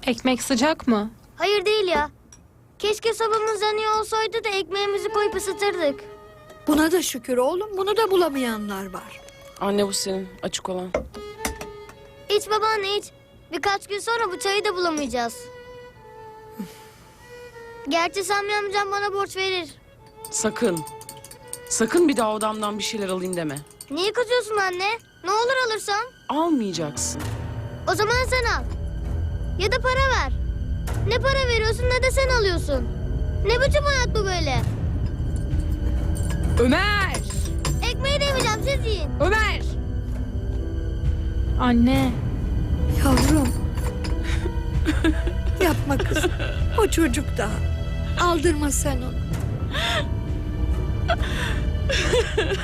Ekmek sıcak mı? Hayır değil ya. Keşke sobamız yanıyor olsaydı da ekmeğimizi koyup ısıtırdık. Buna da şükür oğlum. Bunu da bulamayanlar var. Anne bu senin açık olan. İç babaanne iç. Birkaç gün sonra bu çayı da bulamayacağız. Gerçi Sami amcam bana borç verir. Sakın. Sakın bir daha odamdan bir şeyler alayım deme. Niye kızıyorsun anne? Ne olur alırsam? Almayacaksın. O zaman sen al. Ya da para ver. Ne para veriyorsun ne de sen alıyorsun. Ne biçim hayat bu böyle? Ömer! Ekmeği de yemeyeceğim, siz yiyin. Ömer! Anne. Yavrum. Yapma kızım. O çocuk daha. Aldırma sen onu.